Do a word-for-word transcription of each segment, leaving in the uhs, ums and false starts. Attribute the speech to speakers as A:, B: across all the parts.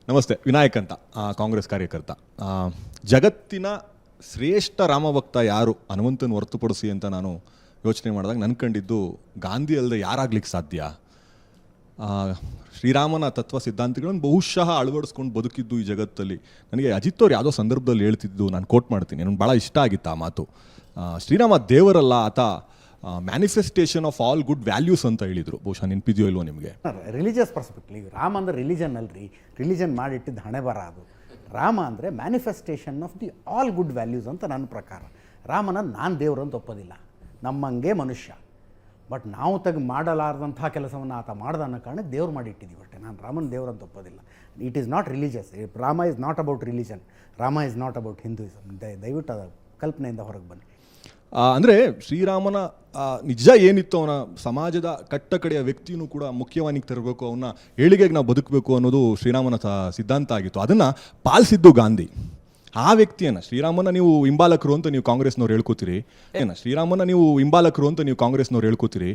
A: ನಮಸ್ತೆ. ವಿನಾಯಕ್ ಅಂತ, ಕಾಂಗ್ರೆಸ್ ಕಾರ್ಯಕರ್ತ. ಜಗತ್ತಿನ ಶ್ರೇಷ್ಠ ರಾಮಭಕ್ತ ಯಾರು ಹನುಮಂತನ ಹೊರತುಪಡಿಸಿ ಅಂತ ನಾನು ಯೋಚನೆ ಮಾಡಿದಾಗ ನನ್ನ ಕಂಡಿದ್ದು ಗಾಂಧಿ ಅಲ್ಲದೆ ಯಾರಾಗ್ಲಿಕ್ಕೆ ಸಾಧ್ಯ? ಶ್ರೀರಾಮನ ತತ್ವ ಸಿದ್ಧಾಂತಗಳನ್ನು ಬಹುಶಃ ಅಳವಡಿಸ್ಕೊಂಡು ಬದುಕಿದ್ದು ಈ ಜಗತ್ತಲ್ಲಿ. ನನಗೆ ಅಜಿತ್ ಅವ್ರು ಯಾವುದೋ ಸಂದರ್ಭದಲ್ಲಿ ಹೇಳ್ತಿದ್ದು, ನಾನು ಕೋಟ್ ಮಾಡ್ತೀನಿ, ನನಗೆ ಭಾಳ ಇಷ್ಟ ಆಗಿತ್ತು ಆ ಮಾತು. ಶ್ರೀರಾಮ ದೇವರಲ್ಲ, ಆತ manifestation of all good values ಅಂತ ಹೇಳಿದರು. ಬಹುಶಃ ನೆನಪಿದೆಯೋ ಇಲ್ವೋ ನಿಮಗೆ?
B: ರಿಲಿಜಿಯಸ್ ಪರ್ಸ್ಪೆಕ್ಟಿವ್, ರಾಮ ಅಂದರೆ ರಿಲಿಜನ್ ಅಲ್ರಿ, ರಿಲಿಜನ್ ಮಾಡಿಟ್ಟಿದ್ದು ಹಣೆ ಬರ ಅದು. ರಾಮ ಅಂದರೆ manifestation of the all good values ಅಂತ ನನ್ನ ಪ್ರಕಾರ. ರಾಮನ ನಾನು ದೇವರು ಅಂತ ಒಪ್ಪೋದಿಲ್ಲ, ನಮ್ಮಂಗೆ ಮನುಷ್ಯ. ಬಟ್ ನಾವು ತೆಗೆ ಮಾಡಲಾರ್ದಂಥ ಕೆಲಸವನ್ನು ಆತ ಮಾಡ್ದ ಅನ್ನೋ ಕಾರಣಕ್ಕೆ ದೇವ್ರು ಮಾಡಿಟ್ಟಿದ್ದೀವಿ ಅಷ್ಟೇ. ನಾನು ರಾಮನ ದೇವ್ರು ಅಂತ ಒಪ್ಪೋದಿಲ್ಲ. It is not religious. Rama is not about religion, Rama is not about Hinduism. ದಯವಿಟ್ಟು ಅದು ಕಲ್ಪನೆಯಿಂದ ಹೊರಗೆ ಬನ್ನಿ.
A: ಅಂದರೆ ಶ್ರೀರಾಮನ ನಿಜ ಏನಿತ್ತು, ಅವನ ಸಮಾಜದ ಕಟ್ಟ ಕಡೆಯ ವ್ಯಕ್ತಿಯೂ ಕೂಡ ಮುಖ್ಯವಾನಿಗೆ ತರಬೇಕು, ಅವನ್ನ ಏಳಿಗೆಗೆ ನಾವು ಬದುಕಬೇಕು ಅನ್ನೋದು ಶ್ರೀರಾಮನ ಸಿದ್ಧಾಂತ ಆಗಿತ್ತು. ಅದನ್ನು ಪಾಲಿಸಿದ್ದು ಗಾಂಧಿ. ಆ ವ್ಯಕ್ತಿಯನ್ನು, ಶ್ರೀರಾಮನ ನೀವು ಹಿಂಬಾಲಕರು ಅಂತ ನೀವು ಕಾಂಗ್ರೆಸ್ನವ್ರು ಹೇಳ್ಕೋತೀರಿ, ಏನ ಶ್ರೀರಾಮನ ನೀವು ಹಿಂಬಾಲಕರು ಅಂತ ನೀವು ಕಾಂಗ್ರೆಸ್ನವ್ರು ಹೇಳ್ಕೋತೀರಿ,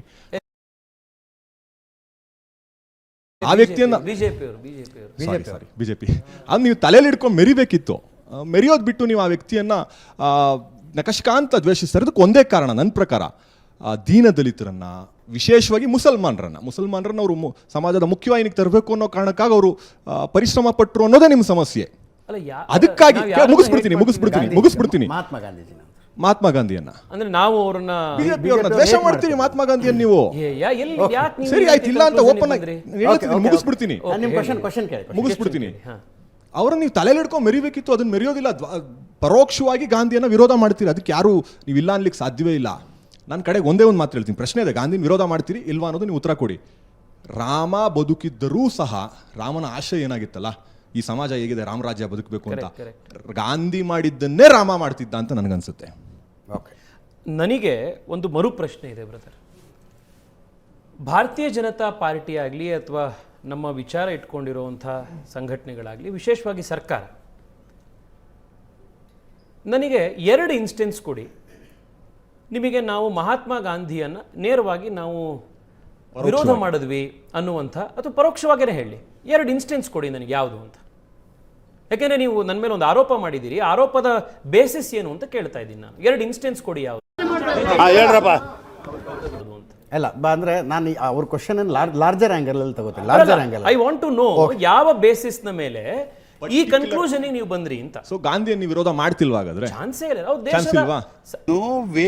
A: ಆ ವ್ಯಕ್ತಿಯನ್ನ ಸಾರಿ ಬಿಜೆಪಿ ಅದು ನೀವು ತಲೆಯಲ್ಲಿ ಹಿಡ್ಕೊಂಡು ಮೆರಿಬೇಕಿತ್ತು. ಮೆರೆಯೋದು ಬಿಟ್ಟು ನೀವು ಆ ವ್ಯಕ್ತಿಯನ್ನ ನಕಶಕಾಂತ ದ್ವೇಷಿಸ್ತಾರೆ. ಅದಕ್ಕೆ ಒಂದೇ ಕಾರಣ ನನ್ನ ಪ್ರಕಾರ, ದೀನ ದಲಿತರನ್ನ, ವಿಶೇಷವಾಗಿ ಮುಸಲ್ಮಾನರನ್ನ ಮುಸಲ್ಮಾನರನ್ನ ಅವರು ಸಮಾಜದ ಮುಖ್ಯವಾಹಿನಿಗೆ ತರಬೇಕು ಅನ್ನೋ ಕಾರಣಕ್ಕಾಗಿ ಅವರು ಪರಿಶ್ರಮ ಪಟ್ಟರು ಅನ್ನೋದೇ ನಿಮ್ಮ ಸಮಸ್ಯೆ. ಅದಕ್ಕಾಗಿ ಮುಗಿಸ್ಬಿಡ್ತೀನಿ ಮುಗಿಸ್ಬಿಡ್ತೀನಿ ಮುಗಿಸ್ಬಿಡ್ತೀನಿ
B: ಮಹಾತ್ಮ ಗಾಂಧೀಜಿ
A: ಮಹಾತ್ಮ ಗಾಂಧಿಯನ್ನ
C: ಅಂದ್ರೆ ನಾವು ಅವ್ರನ್ನ
A: ಬಿಜೆಪಿಯವ್ರನ್ನ ದ್ವೇಷ ಮಾಡ್ತೀರಿ. ಮಹಾತ್ಮ ಗಾಂಧಿಯನ್ನ ನೀವು ಸರಿ ಆಯ್ತು ಇಲ್ಲ ಅಂತ ಓಪನ್ ಆಗಿ ಮುಗಿಸ್ಬಿಡ್ತೀನಿ ಮುಗಿಸ್ಬಿಡ್ತೀನಿ ಅವ್ರನ್ನ ನೀವು ತಲೆಯಲ್ಲಿ ಹಿಡ್ಕೊಂಡು ಮೆರಿಬೇಕಿತ್ತು, ಅದನ್ನ ಮೆರೆಯೋದಿಲ್ಲ. ಪರೋಕ್ಷವಾಗಿ ಗಾಂಧಿಯನ್ನ ವಿರೋಧ ಮಾಡ್ತೀರಿ. ಅದಕ್ಕೆ ಯಾರು ನೀವು ಇಲ್ಲ ಅನ್ಲಿಕ್ಕೆ ಸಾಧ್ಯವೇ ಇಲ್ಲ. ನನ್ನ ಕಡೆಗೆ ಒಂದೇ ಒಂದು ಮಾತು ಹೇಳ್ತೀನಿ, ಪ್ರಶ್ನೆ ಇದೆ, ಗಾಂಧಿನ ವಿರೋಧ ಮಾಡ್ತೀರಿ ಇಲ್ವಾ ಅನ್ನೋದು ನೀವು ಉತ್ತರ ಕೊಡಿ. ರಾಮ ಬದುಕಿದ್ದರೂ ಸಹ ರಾಮನ ಆಶಯ ಏನಾಗಿತ್ತಲ್ಲ, ಈ ಸಮಾಜ ಹೇಗಿದೆ, ರಾಮರಾಜ್ಯ ಬದುಕಬೇಕು ಅಂತ, ಗಾಂಧಿ ಮಾಡಿದ್ದನ್ನೇ ರಾಮ ಮಾಡ್ತಿದ್ದ ಅಂತ ನನಗನ್ಸುತ್ತೆ.
C: ನನಗೆ ಒಂದು ಮರು ಪ್ರಶ್ನೆ ಇದೆ ಬ್ರದರ್. ಭಾರತೀಯ ಜನತಾ ಪಾರ್ಟಿ ಆಗಲಿ ಅಥವಾ ನಮ್ಮ ವಿಚಾರ ಇಟ್ಕೊಂಡಿರುವಂಥ ಸಂಘಟನೆಗಳಾಗಲಿ, ವಿಶೇಷವಾಗಿ ಸರ್ಕಾರ, ನನಗೆ ಎರಡು ಇನ್ಸ್ಟೆನ್ಸ್ ಕೊಡಿ. ನಿಮಗೆ ನಾವು ಮಹಾತ್ಮ ಗಾಂಧಿಯನ್ನು ನೇರವಾಗಿ ನಾವು ವಿರೋಧ ಮಾಡಿದ್ವಿ ಅನ್ನುವಂಥ, ಅಥವಾ ಪರೋಕ್ಷವಾಗಿಯೇ ಹೇಳಿ, ಎರಡು ಇನ್ಸ್ಟೆನ್ಸ್ ಕೊಡಿ ನನಗೆ ಯಾವುದು ಅಂತ. ಯಾಕೆಂದರೆ ನೀವು ನನ್ನ ಮೇಲೆ ಒಂದು ಆರೋಪ ಮಾಡಿದ್ದೀರಿ, ಆರೋಪದ ಬೇಸಿಸ್ ಏನು ಅಂತ ಕೇಳ್ತಾ ಇದ್ದೀನಿ ನಾನು. ಎರಡು ಇನ್ಸ್ಟೆನ್ಸ್ ಕೊಡಿ ಯಾವುದು
B: ಅಲ್ಲ ಅಂದ್ರೆ ನಾನು ಅವ್ರ ಕ್ವಶನ್ ಲಾರ್ಜರ್ ಆಂಗಲ್ ಅಲ್ಲಿ ತಗೋತೀನಿ. Larger angle
C: I want to know ಯಾವ ಬೇಸಿಸ್ ನ ಮೇಲೆ ಈ ಕನ್ಕ್ಲೂಷನ್ ನೀವು ಬಂದ್ರಿ ಅಂತ.
A: ಸೊ ಗಾಂಧಿಯನ್ನು ವಿರೋಧ ಮಾಡ್ತಿಲ್ವಾ? ಹಾಗಾದ್ರೆ
C: ಚಾನ್ಸೇ ಇಲ್ಲ. ನಾವು ದೇಶದ
D: ನೋ ವೇ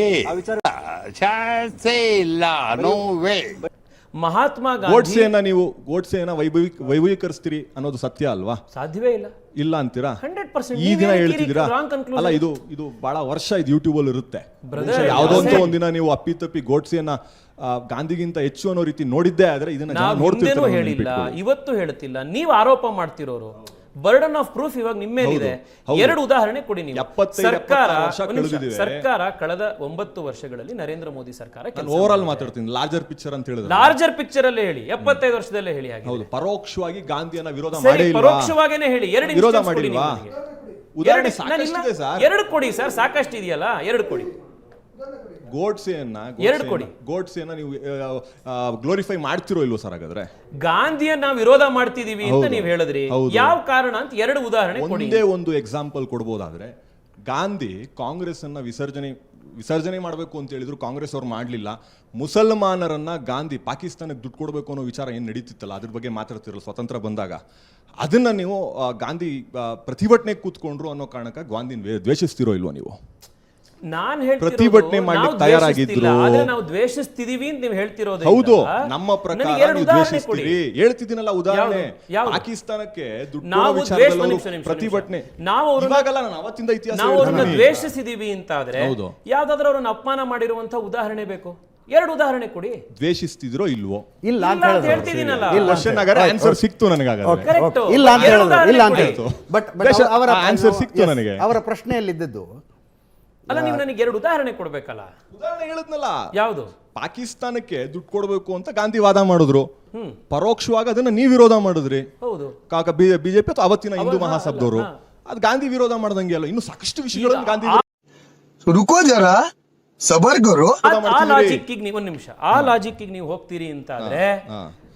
D: ಚಾನ್ಸೇ ಇಲ್ಲ, ನೋ ವೇ.
C: ಮಹಾತ್ಮ ಗಾಂಧಿ
A: ಗೋಡ್ಸೆಯನ್ನ ನೀವು ಗೋಡ್ಸೆಯನ್ನ ವೈಭವಿ ವೈಭವೀಕರಿಸ್ತೀರಿ ಅನ್ನೋದು ಸತ್ಯ ಅಲ್ವಾ?
C: ಸಾಧ್ಯವೇ ಇಲ್ಲ.
A: ಇಲ್ಲ ಅಂತೀರಾ?
C: ಹಂಡ್ರೆಡ್ ಪರ್ಸೆಂಟ್
A: ಈ ದಿನ ಹೇಳ್ತಿದ್ದೀರಾ? ಅಲ್ಲ, ಇದು ಇದು ಬಹಳ ವರ್ಷ ಇದು ಯೂಟ್ಯೂಬ್ ಅಲ್ಲಿ ಇರುತ್ತೆ. ಯಾವುದೋ ಅಂತ ಒಂದಿನ ನೀವು ಅಪ್ಪಿ ತಪ್ಪಿ ಗೋಡ್ಸೆಯನ್ನ ಗಾಂಧಿಗಿಂತ ಹೆಚ್ಚು ಅನ್ನೋ ರೀತಿ ನೋಡಿದ್ದೇ ಆದ್ರೆ ಇದನ್ನ
C: ನೋಡ್ತಿದ್ದೇನೋ ಹೇಳಿಲ್ಲ, ಇವತ್ತು ಹೇಳ್ತಿಲ್ಲ. ನೀವು ಆರೋಪ ಮಾಡ್ತಿರೋರು, ಬರ್ಡನ್ ಆಫ್ ಪ್ರೂಫ್ ಇವಾಗ ನಿಮ್ಮ ಮೇಲಿದೆ. ಎರಡು ಉದಾಹರಣೆ ಕೊಡಿ ನೀವು. ಸರ್ಕಾರ ಸರ್ಕಾರ ಕಳೆದ ಒಂಬತ್ತು ವರ್ಷಗಳಲ್ಲಿ ನರೇಂದ್ರ ಮೋದಿ ಸರ್ಕಾರ
A: ಓವರ್ ಆಲ್ ಮಾತಾಡ್ತೀನಿ, ಲಾರ್ಜರ್ ಪಿಕ್ಚರ್ ಅಂತ ಹೇಳಿದ್ರೆ
C: ಲಾರ್ಜರ್ ಪಿಕ್ಚರ್ ಅಲ್ಲೇ ಹೇಳಿ, ಎಪ್ಪತ್ತೈದು ವರ್ಷದಲ್ಲೇ ಹೇಳಿ. ಹಾಗೆ
A: ಪರೋಕ್ಷವಾಗಿ ಗಾಂಧಿಯನ್ನ ವಿರೋಧ ಮಾಡಿ,
C: ಪರೋಕ್ಷವಾಗೇನೆ ಹೇಳಿ. ಎರಡು
A: ವಿರೋಧ ಮಾಡಿಲ್ವಾ? ಉದಾಹರಣೆ ಸಾಕಷ್ಟಿದೆ ಸರ್.
C: ಎರಡು ಕೊಡಿ ಸರ್, ಸಾಕಷ್ಟು ಇದೆಯಲ್ಲ, ಎರಡು ಕೊಡಿ.
A: ಗೋಡ್ಸೆಯನ್ನ
C: ಎರಡು ಕೊಡಿ.
A: ಗೋಡ್ಸೆಯನ್ನ ನೀವು ಗ್ಲೋರಿಫೈ ಮಾಡ್ತಿರೋ ಇಲ್ವೋ ಸರ್? ಹಾಗಾದ್ರೆ
C: ಗಾಂಧಿಯನ್ನ ವಿರೋಧ ಮಾಡ್ತಿದೀವಿ ಅಂತ ನೀವು ಹೇಳಿದ್ರಿ, ಯಾವ ಕಾರಣ ಅಂತ ಎರಡು ಉದಾಹರಣೆ ಕೊಡಿ.
A: ಒಂದೇ ಒಂದು ಎಕ್ಸಾಂಪಲ್ ಕೊಡ್ಬೋದಾದ್ರೆ, ಗಾಂಧಿ ಕಾಂಗ್ರೆಸ್ ಅನ್ನ ವಿಸರ್ಜನೆ ವಿಸರ್ಜನೆ ಮಾಡಬೇಕು ಅಂತ ಹೇಳಿದ್ರು, ಕಾಂಗ್ರೆಸ್ ಅವ್ರು ಮಾಡಲಿಲ್ಲ. ಮುಸಲ್ಮಾನರನ್ನ ಗಾಂಧಿ ಪಾಕಿಸ್ತಾನಕ್ಕೆ ದುಡ್ಡು ಕೊಡಬೇಕು ಅನ್ನೋ ವಿಚಾರ ಏನು ನಡೀತಿತ್ತಲ್ಲ, ಅದ್ರ ಬಗ್ಗೆ ಮಾತಾಡ್ತಿರಲ್ಲ ಸ್ವತಂತ್ರ ಬಂದಾಗ, ಅದನ್ನ ನೀವು ಗಾಂಧಿ ಪ್ರತಿಭಟನೆಗೆ ಕೂತ್ಕೊಂಡ್ರು ಅನ್ನೋ ಕಾರಣಕ್ಕೆ ಗಾಂಧಿನ ದ್ವೇಷಿಸ್ತಿರೋ ಇಲ್ವೋ ನೀವು?
C: ನಾನು ಹೇಳ್ತಿರೋದು
A: ಪ್ರತಿಭಟನೆ ಮಾಡ್ಲಿಕ್ಕೆ ತಯಾರಾಗಿದ್ರು,
C: ಆದ್ರೆ ನಾವು ದ್ವೇಷಿಸ್ತಿದೀವಿ ಅಂತ ನೀವು ಹೇಳ್ತಿರೋದು
A: ಹೌದು. ನಮ್ಮ ಪ್ರಕಾರ ನೀವು ದ್ವೇಷಿಸ್ತೀರಿ ಹೇಳ್ತಿದ್ದೀನಲ್ಲ. ಉದಾಹರಣೆ, ಪಾಕಿಸ್ತಾನಕ್ಕೆ ದುಡ್ಡು ಪ್ರತಿಭಟನೆ
C: ನಾವು
A: ಇವಾಗಲ್ಲ, ನಾನು ಅವತ್ತಿಂದ ಇತಿಹಾಸ
C: ನಾವು ಅವ್ರನ್ನ ದ್ವೇಷಿಸಿದೀವಿ ಅಂತ ಆದ್ರೆ ಯಾವ್ದಾದ್ರೂ ಅವ್ರನ್ನ ಅಪಮಾನ ಮಾಡಿರುವಂತ ಉದಾಹರಣೆ ಬೇಕು. ಎರಡು ಉದಾಹರಣೆ ಕೊಡಿ.
A: ದ್ವೇಷಿಸ್ತಿದ್ರೋ ಇಲ್ವೋ?
B: ಇಲ್ಲ ಅಂತ
C: ಹೇಳ್ತಿದ್ದೀನಲ್ಲ.
A: ಆನ್ಸರ್ ಸಿಕ್ತು ನನಗೆ.
B: ಇಲ್ಲ ಅಂತ ಹೇಳಿದ್ರು, ಇಲ್ಲ ಅಂತ ಹೇಳ್ತು. ಬಟ್ ಅವರ
A: ಆನ್ಸರ್ ಸಿಕ್ತು ನನಗೆ.
B: ಅವರ ಪ್ರಶ್ನೆಯಲ್ಲಿದ್ದದ್ದು
C: ಅಲ್ಲ, ನೀವು ನನಗೆ ಎರಡು ಉದಾಹರಣೆ ಕೊಡ್ಬೇಕಲ್ಲ.
A: ಉದಾಹರಣೆ ಹೇಳಿದ್ನಲ್ಲ,
C: ಯಾವುದು?
A: ಪಾಕಿಸ್ತಾನಕ್ಕೆ ದುಡ್ಡು ಕೊಡಬೇಕು ಅಂತ ಗಾಂಧಿ ವಾದ ಮಾಡಿದ್ರು, ಪರೋಕ್ಷವಾಗಿ ಅದನ್ನ ನೀವು ವಿರೋಧ ಮಾಡಿದ್ರಿ.
C: ಹೌದು.
A: ಕಾಕ ಬಿಜೆಪಿ ಅಥವಾ ಅವತ್ತಿನ ಹಿಂದೂ ಮಹಾಸಭದವರು ಅದು ಗಾಂಧಿ ವಿರೋಧ ಮಾಡ್ದಂಗೆ ಅಲ್ಲ, ಇನ್ನು ಸಾಕಷ್ಟು ವಿಷಯಗಳನ್ನು ಗಾಂಧಿ
D: ರುಕೋ ಜರ ಸಬರ್ ಗರು.
C: ಆ ಲಾಜಿಕ್ ನೀವು ಒಂದು ನಿಮಿಷ, ಆ ಲಾಜಿಕ್ ನೀವು ಹೋಗ್ತೀರಿ ಅಂತ ಆದ್ರೆ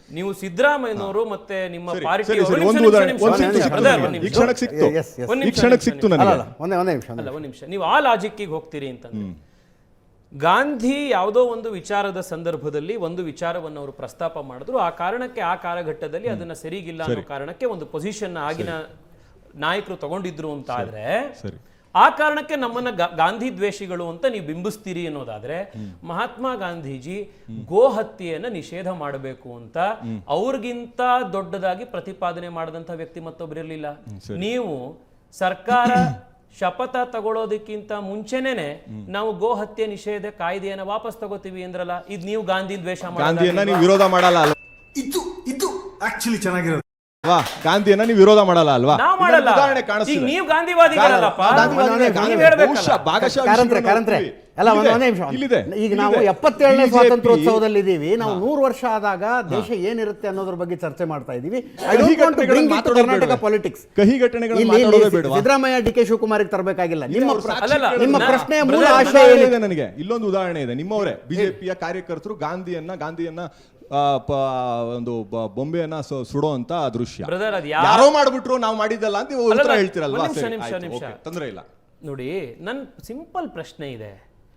C: ನೀವು ಸಿದ್ದರಾಮಯ್ಯನವರು ಮತ್ತೆ ನಿಮ್ಮ
A: ಸರಿ,
C: ಪಾರ್ಟಿ
A: ಸರಿ, ಸರಿ, ಒಂದು ಉದಾಹರಣೆ ಒಂದು ಸಿಕ್ತು ಸಿಕ್ತು ನನಗೆ. ಈ ಕ್ಷಣಕ್ಕೆ ಸಿಕ್ತು
B: Yes, yes.
C: ಒಂದ್
A: ಈ
C: ನಿಮಿಷ,
A: ಕ್ಷಣಕ್ಕೆ
C: ನಿಮಿಷ,
A: ಸಿಕ್ತು
B: ಅಲ್ಲ
A: ನನಗೆ
B: ಅಲ್ಲ ಒಂದೇ ಒಂದೇ ನಿಮಿಷ
C: ಅಲ್ಲ ಒಂದ್ ನಿಮಿಷ ನೀವು ಆ ಲಾಜಿಕ್ಕಿಗೆ ಹೋಗ್ತೀರಿ ಅಂತಂದ್ರೆ ಗಾಂಧಿ ಯಾವುದೋ ಒಂದು ವಿಚಾರದ ಸಂದರ್ಭದಲ್ಲಿ ಒಂದು ವಿಚಾರವನ್ನು ಅವರು ಪ್ರಸ್ತಾಪ ಮಾಡಿದ್ರು, ಆ ಕಾರಣಕ್ಕೆ ಆ ಕಾಲಘಟ್ಟದಲ್ಲಿ ಅದನ್ನ ಸರಿಗಿಲ್ಲ ಅನ್ನೋ ಕಾರಣಕ್ಕೆ ಒಂದು ಪೊಸಿಷನ್ ಆಗಿನ ನಾಯಕರು ತಗೊಂಡಿದ್ರು ಅಂತ ಆದ್ರೆ
A: ಸರಿ
C: ಆ ಕಾರಣಕ್ಕೆ ನಮ್ಮನ್ನ ಗಾ- ಗಾಂಧಿ ದ್ವೇಷಿಗಳು ಅಂತ ನೀವು ಬಿಂಬಿಸ್ತೀರಿ ಅನ್ನೋದಾದ್ರೆ ಮಹಾತ್ಮ ಗಾಂಧೀಜಿ ಗೋ ಹತ್ಯೆಯನ್ನ ನಿಷೇಧ ಮಾಡಬೇಕು ಅಂತ ಅವ್ರಿಗಿಂತ ದೊಡ್ಡದಾಗಿ ಪ್ರತಿಪಾದನೆ ಮಾಡಿದಂತ ವ್ಯಕ್ತಿ ಮತ್ತೊಬ್ಬರಿರ್ಲಿಲ್ಲ. ನೀವು ಸರ್ಕಾರ ಶಪಥ ತಗೊಳ್ಳೋದಕ್ಕಿಂತ ಮುಂಚೆನೇನೆ ನಾವು ಗೋ ಹತ್ಯೆ ನಿಷೇಧ ಕಾಯ್ದೆಯನ್ನ ವಾಪಸ್ ತಗೋತೀವಿ ಅಂದ್ರಲ್ಲ, ಇದು ನೀವು ಗಾಂಧಿ ದ್ವೇಷ
A: ಗಾಂಧಿಯನ್ನ ನೀವು ವಿರೋಧ ಮಾಡಲ್ಲ ಅಲ್ವಾ?
E: ಇದು ಇದು ಆಕ್ಚುಲಿ ಚೆನ್ನಾಗಿರೋದು.
A: ವಾ ಗಾಂಧಿಯನ್ನ ನೀವು ವಿರೋಧ ಮಾಡಲ್ಲ ಅಲ್ವಾ?
C: ನಾವು ಮಾಡಲ್ಲ.
A: ಇದೊಂದು ಉದಾಹರಣೆ
C: ಈಗ
A: ಕಾಣಿಸ್ತಿದೆ.
C: ನೀವು ಗಾಂಧಿವಾದಿಗಳಲ್ಲಪ್ಪ.
A: ಗಾಂಧಿವಾದಿಗಳೇ,
C: ನೀವು ಹೇಳ್ಬೇಕಲ್ಲ.
A: ಬಹುಶಃ ಭಾಗಶಃ
B: ಕಾರಂತ್ರೆ
A: ವಿಷಯಗಳನ್ನು
B: ಕಾರಂತ್ರೆ
A: ಒಪ್ತೀವಿ.
B: ಅಲ್ಲ ಒಂದೇ
A: ಇಲ್ಲಿದೆ,
B: ನಿಮಿಷ
A: ಇಲ್ಲಿದೆ,
B: ಈಗ ನಾವು
A: ಇಲ್ಲಿದೆ.
B: ಎಪ್ಪತ್ತೇಳನೇ
A: ಬಿಜೆಪಿ
B: ಸ್ವಾತಂತ್ರ್ಯೋತ್ಸವದಲ್ಲಿ ಇದ್ದೀವಿ. ನಾವು ನೂರು ವರ್ಷ ಆದಾಗ ದೇಶ ಏನಿರುತ್ತೆ ಅನ್ನೋದ್ರ ಬಗ್ಗೆ ಚರ್ಚೆ ಮಾಡ್ತಾ ಇದೀವಿ. ಐ
A: ಕಹಿ
B: don't want to bring it to
A: ಮಾತಾಡೋದು
B: ಕರ್ನಾಟಕ
A: ಬೇಡವೇ?
B: ಪಾಲಿಟಿಕ್ಸ್.
A: ಕಹಿ ಘಟನೆಗಳನ್ನು
B: ಇಲ್ಲಿ
A: ಮಾತಾಡೋದೇ ಬೇಡವಾ?
B: ಸಿದ್ದರಾಮಯ್ಯ ಡಿ ಕೆ ಶಿವಕುಮಾರ್ಗೆ ತರಬೇಕಾಗಿಲ್ಲ. ನಿಮ್ಮ
A: ಅವ್ರ
B: ಪ್ರ-
A: ಸಾಕ್ಷಿ
C: ಅಲ್ಲಲ್ಲ,
B: ನಿಮ್ಮ
C: ನಾ-
B: ಪ್ರಶ್ನೆಯ ಮೂಲ
C: ಬ್ರದರ್,
B: ಆಶಯ
A: ಉದಾಹರಣೆ
B: ಏನಿದೆ?
A: ಇದೆ ನನಗೆ ಇಲ್ಲೊಂದು ಉದಾಹರಣೆ ಇದೆ. ನಿಮ್ಮವರೇ ಬಿಜೆಪಿಯ ಕಾರ್ಯಕರ್ತರು ಗಾಂಧಿಯನ್ನ ಗಾಂಧಿಯನ್ನ ಆ, ಪ- ಒಂದು ಬ- ಬೊಂಬೆಯನ್ನ ಸು- ಸುಡೋ ಅಂತ ದೃಶ್ಯ
C: ಬ್ರದರ್, ಅದು ಯಾ-
A: ಯಾರೋ ಮಾಡ್ಬಿಟ್ರು ನಾವು ಮಾಡಿದ್ದಲ್ಲ ಅಂತ ನೀವು ಉತ್ತರ
C: ಅಲ್ಲಲ್ಲ,
A: ಹೇಳ್ತೀರಲ್ವಾ?
C: ಒಂದ್ ನಿಮಿಷ,
A: ಸರಿ,
C: ನಿಮಿಷ,
A: ಆಯ್ತು,
C: ನಿಮಿಷ.
A: ಓಕೆ, ತೊಂದ್ರೆ ಇಲ್ಲ.
C: ನೋಡಿ, ನನ್ನ ಸಿಂಪಲ್ ಪ್ರಶ್ನೆ ಇದೆ.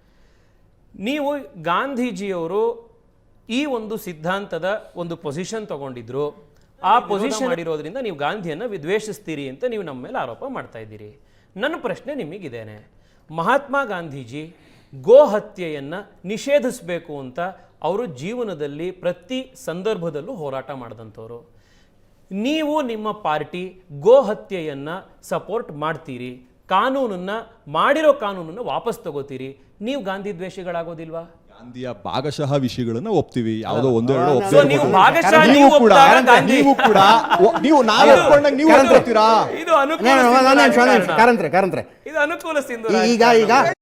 C: ನೀವು ಗಾಂಧೀಜಿಯವರು ಈ ಒಂದು ಸಿದ್ಧಾಂತದ ಒಂದು ಪೊಸಿಷನ್ ತಗೊಂಡಿದ್ರು, ಆ ಪೊಸಿಷನ್ ಮಾಡಿರೋದ್ರಿಂದ ನೀವು ಗಾಂಧಿಯನ್ನ ವಿದ್ವೇಷಿಸ್ತೀರಿ ಅಂತ ನೀವು ನಮ್ಮ ಮೇಲೆ ಆರೋಪ ಮಾಡ್ತಾ ಇದ್ದೀರಿ. ನನ್ನ ಪ್ರಶ್ನೆ ನಿಮಗಿದ್ದೇನೆ, ಮಹಾತ್ಮ ಗಾಂಧೀಜಿ ಗೋ ಹತ್ಯೆಯನ್ನ ನಿಷೇಧಿಸಬೇಕು ಅಂತ ಅವರು ಜೀವನದಲ್ಲಿ ಪ್ರತಿ ಸಂದರ್ಭದಲ್ಲೂ ಹೋರಾಟ ಮಾಡಿದಂಥವ್ರು. ನೀವು ನಿಮ್ಮ ಪಾರ್ಟಿ ಗೋ ಹತ್ಯೆಯನ್ನ ಸಪೋರ್ಟ್ ಮಾಡ್ತೀರಿ, ಕಾನೂನನ್ನ ಮಾಡಿರೋ ಕಾನೂನನ್ನ ವಾಪಸ್ ತಗೋತೀರಿ, ನೀವು ಗಾಂಧಿ ದ್ವೇಷಿಗಳಾಗೋದಿಲ್ವಾ?
A: ಗಾಂಧಿಯ ಭಾಗಶಃ ವಿಷಯಗಳನ್ನ ಒಪ್ತೀವಿ, ಯಾವುದೋ ಒಂದು ಎರಡು
B: So,
A: ಒಪ್ಪದೇ
C: ನೀವು
A: ಇರ್ಬೋದು.
C: ಭಾಗಶಃ
A: ನೀವು
C: ನೀವು
A: ಕೂಡ
C: ಒಪ್ಪಿದಾಗ ಗಾಂಧಿ-
A: ನೀವು ಕೂಡ ಒ- ನೀವು ನಾನು ಒಪ್ಕೊಂಡಾಗ ನೀವು
B: ಕಾರಂತ್ರೆ.
A: ಒಪ್ಕೊಳ್ತೀರಾ?
C: ಇದು ಅನುಕೂಲ
B: ನಾನು- ನಾನು- ನಾನು-
C: ಸಿಂಧು
B: ನಾನು-
C: ರಾಜಕಾರಣ.
B: ಕಾರಂತ್ರೆ ಕಾರಂತ್ರೆ
C: ಇದು ಅನುಕೂಲ ಸಿಂಧು
B: ಈಗ
C: ರಾಜಕಾರಣ.
B: ಈಗ